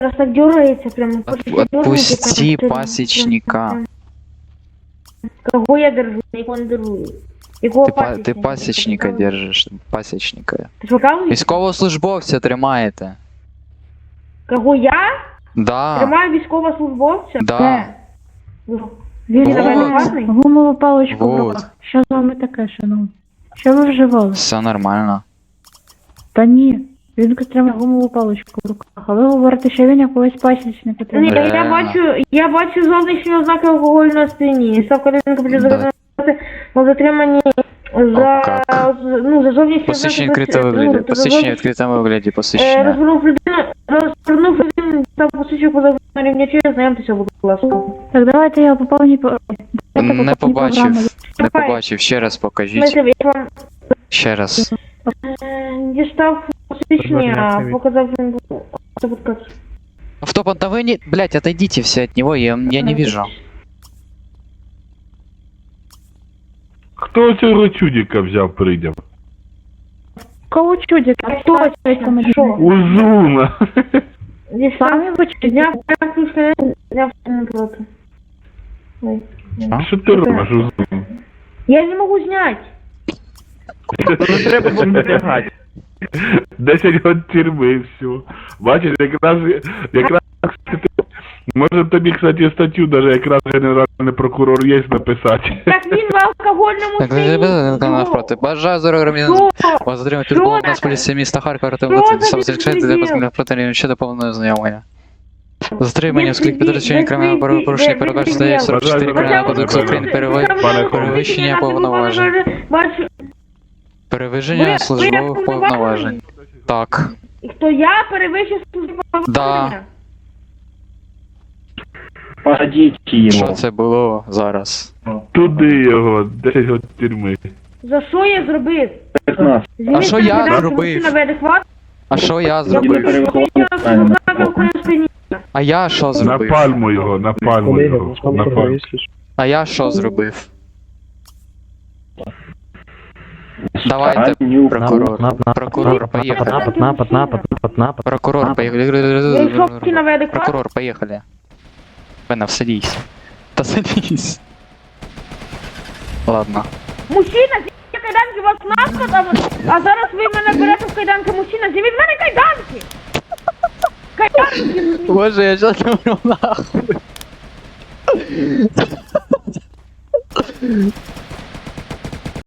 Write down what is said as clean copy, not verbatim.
Раз так дергается прям. Отпусти пасечника. Кого я держу? Никого не держу. Якого Ти пасічника держиш. Пасічника. Ти ж показуєш? Військовослужбовця тримаєте. Кого я? Да. Тримаю військовослужбовця? Да. Він Вот. адекватний? Гумову паличку в Вот. руках. Що з вами таке, шановні? Що ви вживали? Все нормально. Та ні. Він тримає гумову паличку в руках. А ви говорите, що він якогось пасічника Ні, тримає. я бачу зовнішні ознаки алкогольної сп'яніння. Ставка ринку буде Да. на затриманні за, как? за зовнішні Посвідчення ознаки. відкритому вигляді. Посвідчення в відкритому вигляді. Посвідчення. Розвернув людину та посвідчив позов на рівні через, знайомтеся, будь ласка. Так, давайте я по повній Не побачив. Не Давай. побачив. Ще раз покажіть. Смотрите, я вам Ще раз. дістав посвідчення, показав він Автопан, да вы не... Блять, отойдите все от него, я не вижу. Хто цього чудика взяв прийняв? Кого чудик? А хто це Що? Узуна! Самі ви чудик? Зняв практично, зняв не проти. Ой. Що ти робиш, Узун? Я не можу зняти. Не треба було натягати. 10 год тюрми і все. Бачиш, якраз може тобі, кстати, статтю даже якраз генеральний прокурор є написати. Так він в алкогольному Так, навпроти. Бажаю здоров'я громадян. Вас затримують службово нас поліції міста Харкова, сам зречається для постановлення ще до повного знайомлення. Затримання, оскільки підручення кримінального правопорушення передбачено статтею 44 Кримінального кодексу України перевищення повноважень. Перевищення службових повноважень. Так. І хто я перевищив службове повноваження? Посадіть Що йому. це було зараз? Туди його, 10 год тюрми. За що я зробив? 15. А що я Звільнити зробив? мужчина неадекватний, А що я я зробив? перевищив ознаки алкогольної сп'яніння. А я що На зробив? пальму його, на пальму його. На пальму. А я що зробив? Давайте, прокурор. Прокурор, поїхали. Прокурор, поїхали. Я йшов на неадекватний. Прокурор, поїхали. Пена, садись. Та садись. Ладно. Мужчина, зніміть кайданки, вас наскота, а зараз ви мене берете в кайданки. Мужчина, зніміть в мене кайданки! Кайданки! Боже, я сейчас умру нахуй.